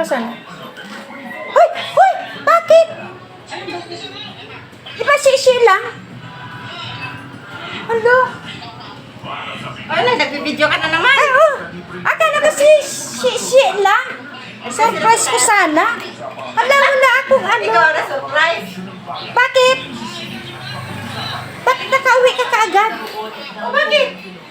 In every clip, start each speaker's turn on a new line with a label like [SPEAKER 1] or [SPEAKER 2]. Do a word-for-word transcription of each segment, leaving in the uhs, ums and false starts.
[SPEAKER 1] Asan? Hoy! Hoy! Bakit? Di ba si lang? Alo?
[SPEAKER 2] Ano, nagbibideo ka na naman.
[SPEAKER 1] Ay, oh! Akala ko si si lang. Surprise ko sana. Alam mo na akong ano.
[SPEAKER 2] Ikaw na surprise.
[SPEAKER 1] Bakit? Bakit nakauwi ka kaagad?
[SPEAKER 2] O bakit?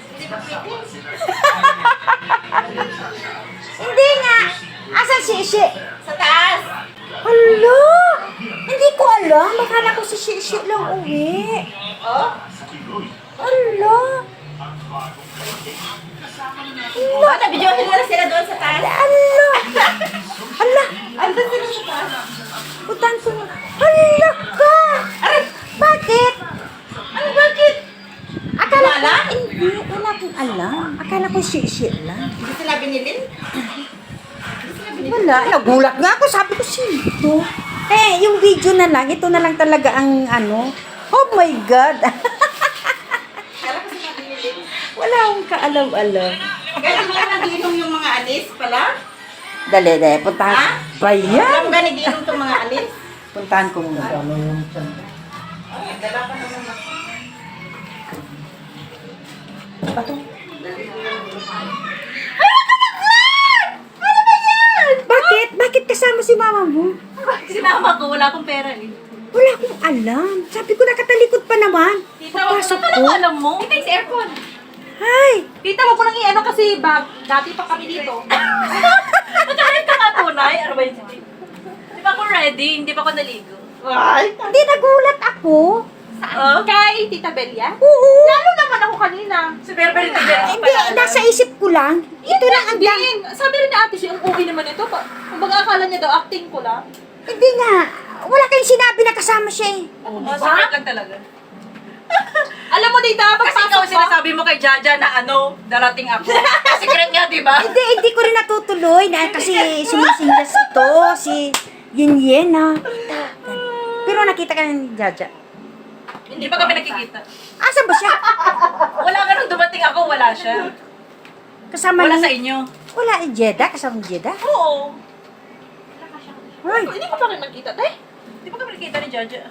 [SPEAKER 1] Hindi nga. Asan si Ishi?
[SPEAKER 2] Sa taas.
[SPEAKER 1] Hala! Hindi ko alam. Akala ko si Ishi lang uwi.
[SPEAKER 2] Oh?
[SPEAKER 1] Hala!
[SPEAKER 2] Oh, nabidyohin mo na sila doon sa taas.
[SPEAKER 1] Hala! Hala!
[SPEAKER 2] Andun sila sa taas.
[SPEAKER 1] Utan ko na. Hala ka!
[SPEAKER 2] Aray!
[SPEAKER 1] Bakit?
[SPEAKER 2] Ano bakit?
[SPEAKER 1] Akala ko,
[SPEAKER 2] Wala?
[SPEAKER 1] hindi. Wala akong alam. Akala ko si Ishi lang.
[SPEAKER 2] Hindi sila binilin?
[SPEAKER 1] Wala. Nagulat nga ako. Sabi ko, sino? Eh, yung video na lang. Ito na lang talaga ang ano. Oh my God!
[SPEAKER 2] Kala ko sila binilin.
[SPEAKER 1] Wala akong kaalam-alam.
[SPEAKER 2] Kaya mo na nagiinom yung mga alis pala?
[SPEAKER 1] Dali, dali. Puntahan.
[SPEAKER 2] Ha?
[SPEAKER 1] Bayan!
[SPEAKER 2] Alam ba nagiinom itong mga alis?
[SPEAKER 1] Puntahan ko muna.
[SPEAKER 2] Ay, dala pa naman.
[SPEAKER 1] Bato. Bakit? Bakit kasama si mama mo?
[SPEAKER 3] Sinama ko, wala akong pera eh.
[SPEAKER 1] Wala akong alam. Sabi ko nakatalikod pa naman.
[SPEAKER 3] Tita, wag
[SPEAKER 1] Papasok
[SPEAKER 3] mo
[SPEAKER 1] ko.
[SPEAKER 3] na alam mo. Tita, yung aircon.
[SPEAKER 1] Ay!
[SPEAKER 3] Tita, wag ko nang i-ano kasi bag. Dati pa kami dito. Nagkaroon ka nga tunay. Ano ba yun? Di ba ako ready? Hindi pa ako naligo.
[SPEAKER 2] Ay!
[SPEAKER 1] Hindi, nagulat ako.
[SPEAKER 3] Saan? Kay Tita Belia?
[SPEAKER 1] Oo.
[SPEAKER 3] Lalo naman ako kanina. Si Berbel Tita Belia.
[SPEAKER 1] Hindi, nasa isip ko lang. Ito lang ang dang...
[SPEAKER 3] Din. Sabi rin ni ate siya, ang okay naman ito. Pa- Kung baga akala niya daw, acting ko lang.
[SPEAKER 1] Hindi nga. Wala kayong sinabi na kasama siya eh.
[SPEAKER 3] Oo, oh, secret lang talaga. Alam mo, Tita,
[SPEAKER 4] Kasi ikaw
[SPEAKER 3] pagpasok ko,
[SPEAKER 4] sinasabi mo kay Jaja na ano, darating ako. Secret nga, di ba?
[SPEAKER 1] Hindi, hindi ko rin natutuloy na kasi sumisinggas ito, si Yin Yin na. Pero nakita ka ni Jaja.
[SPEAKER 4] Hindi pa kami nakikita.
[SPEAKER 1] Asan ba siya?
[SPEAKER 4] Wala ka nung dumating ako, wala siya.
[SPEAKER 1] Kasama
[SPEAKER 4] Wala
[SPEAKER 1] ni...
[SPEAKER 4] sa inyo.
[SPEAKER 1] Wala ni Jeddah, kasama ni Jeddah.
[SPEAKER 4] Oo.
[SPEAKER 1] Hoy,
[SPEAKER 3] hindi ko pa rin nakita, te.
[SPEAKER 4] Hindi pa kami nakikita ni Jaja.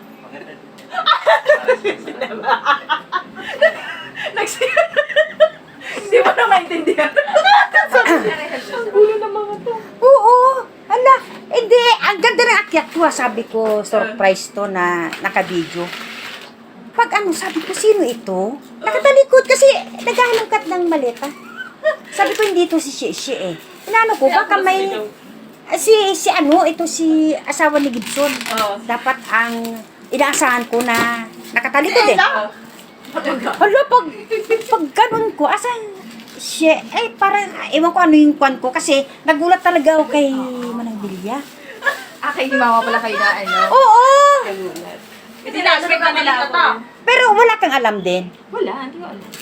[SPEAKER 4] Nagsi... Hindi mo na maintindihan.
[SPEAKER 3] Ulo ng mga to.
[SPEAKER 1] oo. Hala, hindi. Ang ganda ng akyat ko, ah. Sabi ko, surprise to na nakabidyo. Pag ano, sabi ko, sino ito? Nakatalikod kasi naghahalongkat ng maleta. Sabi ko, hindi ito si Shishi eh. Inano ko, baka may... Ah, Si, si ano, ito si asawa ni Gibson.
[SPEAKER 4] Oo.
[SPEAKER 1] Dapat ang inaasahan ko na nakatalikod eh.
[SPEAKER 4] Oh.
[SPEAKER 1] Hala, pag, pag ganun ko, asan siya? Eh, parang, ewan ko ano yung kwan ko kasi nagulat talaga ako kay Manang Bilya.
[SPEAKER 3] Ah, kay mama pala kayo na, ano?
[SPEAKER 1] Oo!
[SPEAKER 4] Hindi na-expect na nila ako.
[SPEAKER 1] Pero wala kang alam din.
[SPEAKER 3] Wala, hindi ko alam.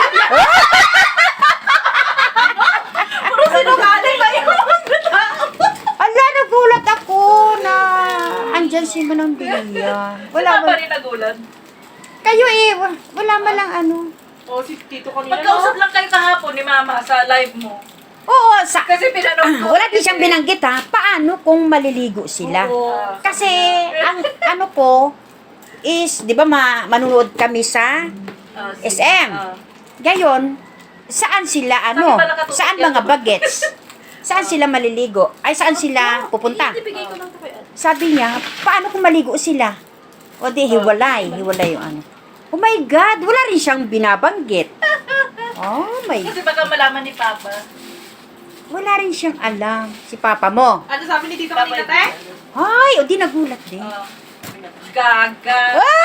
[SPEAKER 4] Puro sinungaling ba yun?
[SPEAKER 1] Ala, nagulat ako na andyan si Manang Bilya. Wala,
[SPEAKER 4] Wala pa
[SPEAKER 1] wala.
[SPEAKER 4] rin nagulat.
[SPEAKER 1] Kayo eh, wa- wala malang ano.
[SPEAKER 3] Oh, si Tito kanina.
[SPEAKER 4] Magkausap lang kayo kahapon ni Mama sa live mo.
[SPEAKER 1] Oo, sa...
[SPEAKER 4] Kasi pinanood ko.
[SPEAKER 1] Wala din siyang binanggit ha. Paano kung maliligo sila?
[SPEAKER 3] Oo.
[SPEAKER 1] Kasi, ang ano ko, is, di ba ma manunood kami sa
[SPEAKER 4] Ah, sige.
[SPEAKER 1] S M.
[SPEAKER 4] Ah.
[SPEAKER 1] Gayon, saan sila ano?
[SPEAKER 4] pala katulad
[SPEAKER 1] Saan
[SPEAKER 4] yan.
[SPEAKER 1] mga bagets? Saan sila maliligo? Ay, saan sila pupunta?
[SPEAKER 3] Ibigay ko lang ito kay ate.
[SPEAKER 1] Sabi niya, paano kung maligo sila? O di, hiwalay. Hiwalay yung ano. Oh my God, wala rin siyang binabanggit. Oh my,
[SPEAKER 4] Kasi baka malaman ni Papa.
[SPEAKER 1] wala rin siyang alam. Si papa mo.
[SPEAKER 3] Ano sabi ni Tito
[SPEAKER 4] Papa
[SPEAKER 3] kanina, te?
[SPEAKER 1] Ay, o di nagulat din.
[SPEAKER 4] Ah. Gaga.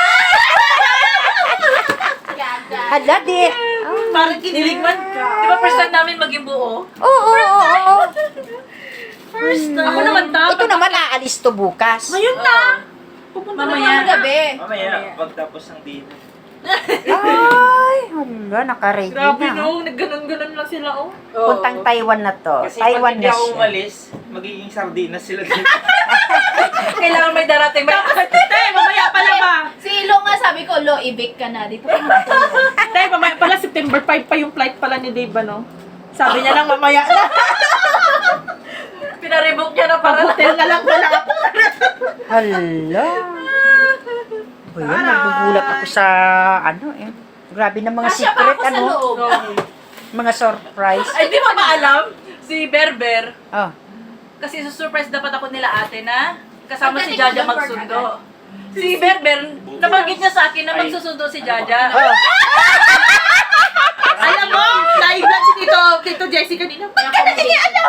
[SPEAKER 1] Hala, di. Oh.
[SPEAKER 4] Parang kinilig man. Di ba first time namin maging buo?
[SPEAKER 1] Oo, oo, oo, oo.
[SPEAKER 4] First time.
[SPEAKER 3] Ako naman, ta.
[SPEAKER 1] Ito naman, aalis to bukas.
[SPEAKER 3] Ngayon na. Pupunta
[SPEAKER 4] Mamaya.
[SPEAKER 3] naman gabi.
[SPEAKER 5] Mamaya, pagtapos ng dinner.
[SPEAKER 1] Ay, hala, naka-ready
[SPEAKER 3] Grabe
[SPEAKER 1] na.
[SPEAKER 3] no, nagganon-ganon lang sila, oh.
[SPEAKER 1] Puntang Taiwan na to.
[SPEAKER 5] Kasi
[SPEAKER 1] Taiwan
[SPEAKER 5] pag hindi
[SPEAKER 1] na
[SPEAKER 5] ako
[SPEAKER 1] siya.
[SPEAKER 5] umalis, magiging sardinas sila dito.
[SPEAKER 4] Kailangan may darating. May
[SPEAKER 3] Te, mamaya pala ba?
[SPEAKER 6] Si Ilo nga sabi ko, Lo, i-bake ka na. Dito ka na.
[SPEAKER 3] Te, mamaya pala, September five pa yung flight pala ni Dave, ano? Sabi niya lang mamaya na.
[SPEAKER 4] Pinarevoke niya na para
[SPEAKER 3] Hotel na lang pala ako.
[SPEAKER 1] Hala. O yun, nagugulat ako sa, ano eh. Grabe na mga
[SPEAKER 3] Kasya pa
[SPEAKER 1] secret,
[SPEAKER 3] ako sa
[SPEAKER 1] ano.
[SPEAKER 3] loob.
[SPEAKER 1] Mga surprise.
[SPEAKER 4] Ay, di ba maalam? Si Berber,
[SPEAKER 1] Oh.
[SPEAKER 4] kasi surprise dapat ako nila ate na kasama si
[SPEAKER 6] Pagdating
[SPEAKER 4] Jaja
[SPEAKER 6] ko doon,
[SPEAKER 4] magsundo. Si Berber, nabanggit niya sa akin na magsusundo si Jaja.
[SPEAKER 1] Oh.
[SPEAKER 3] Alam mo, live lang si Tito, Tito Jessie kanina. Ba't ka na hindi alam?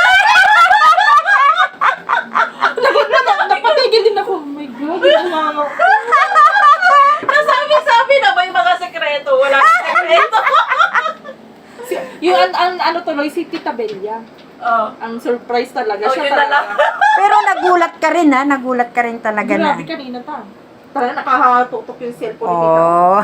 [SPEAKER 3] Napatigil din ako. Oh my God, mama.
[SPEAKER 4] Nasabi-sabi na ba yung mga sekreto? Wala kang sekreto.
[SPEAKER 3] Yung an, an, ano tuloy, si Tita Belia.
[SPEAKER 4] Oh.
[SPEAKER 3] Ang surprise talaga
[SPEAKER 4] Oh,
[SPEAKER 3] siya
[SPEAKER 4] yun na lang.
[SPEAKER 3] talaga.
[SPEAKER 1] Pero nagulat ka rin, ha? Nagulat ka rin talaga na.
[SPEAKER 3] Grabe kanina ta. Tara, nakahatutok yung cellphone ni Tita.
[SPEAKER 1] Oh.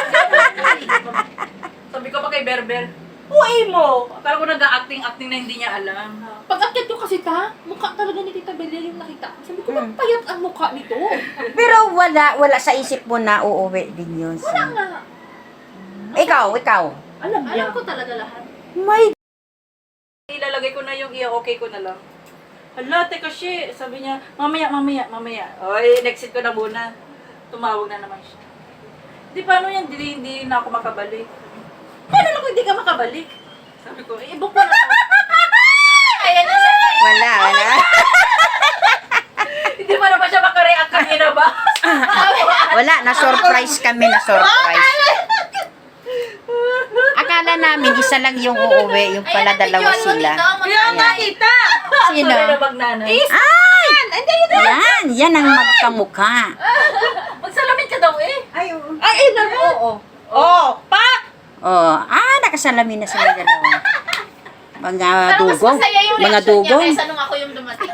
[SPEAKER 4] Sabi ko pa kay Berber, uwi mo! Akala ko nag-acting-acting na hindi niya alam.
[SPEAKER 3] Pag-akyat ko kasi ta, mukha talaga ni Tita Belia yung nakita ko. Sabi ko,
[SPEAKER 1] Hmm.
[SPEAKER 3] ba't payat ang mukha nito?
[SPEAKER 1] Pero wala, wala sa isip mo na uuwi din yun.
[SPEAKER 3] Wala
[SPEAKER 1] Sa...
[SPEAKER 3] nga.
[SPEAKER 1] Ikaw, ikaw.
[SPEAKER 3] Alam niya.
[SPEAKER 6] Alam ko talaga lahat.
[SPEAKER 1] May
[SPEAKER 4] Ilalagay ko na yung i-okay ko na lang. Hala, teka shi. Sabi niya, mamaya, mamaya, mamaya. Oy, next ko na muna. Tumawag na naman siya. Di paano yan? Hindi, hindi na ako makabalik. Paano lang kung hindi ka makabalik? Sabi ko, eh, i-book mo na to.
[SPEAKER 6] Ayan na sana.
[SPEAKER 1] wala, wala.
[SPEAKER 4] Hindi pa naman siya makareact kanina ba?
[SPEAKER 1] Wala, na-surprise kami, na-surprise. Akala namin isa lang yung uuwi, yung pala dalawa sila. Ayan.
[SPEAKER 3] Tita!
[SPEAKER 1] Sino?
[SPEAKER 4] Sorry na magnanay.
[SPEAKER 1] Ay! Yan, yan ang magkamukha.
[SPEAKER 4] Magsalamin ka daw eh.
[SPEAKER 3] Ay, ay, na Oo. Oh, pak!
[SPEAKER 1] Oh, ah, nakasalamin na sila dalawa. Mga
[SPEAKER 6] Parang mas
[SPEAKER 1] dugong.
[SPEAKER 6] masaya yung
[SPEAKER 1] Mga
[SPEAKER 6] reaction niya
[SPEAKER 1] dugong.
[SPEAKER 6] kaysa nung ako yung dumating.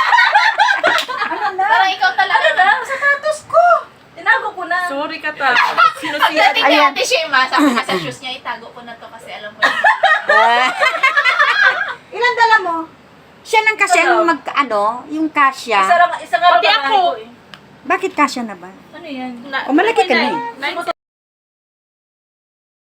[SPEAKER 6] Parang ikaw talaga.
[SPEAKER 4] Ano na? Sapatos ko. Tinago ko na.
[SPEAKER 3] Sorry ka ta. Sinusira.
[SPEAKER 6] Pagdating kay
[SPEAKER 1] Ayan.
[SPEAKER 6] Ate Shema, sabi niya sa shoes niya, itago ko na to kasi alam ko na.
[SPEAKER 1] Ah,
[SPEAKER 2] Ilan dala mo?
[SPEAKER 1] siya lang kasi
[SPEAKER 4] Ano?
[SPEAKER 1] ang mag, ano, yung
[SPEAKER 4] Isa
[SPEAKER 1] kasya.
[SPEAKER 4] lang, isa nga lang
[SPEAKER 3] Pati
[SPEAKER 4] pangalan
[SPEAKER 3] ako.
[SPEAKER 4] ko eh.
[SPEAKER 1] Bakit kasya na ba?
[SPEAKER 4] Ano yan?
[SPEAKER 1] O malaki ka na eh.
[SPEAKER 3] Nine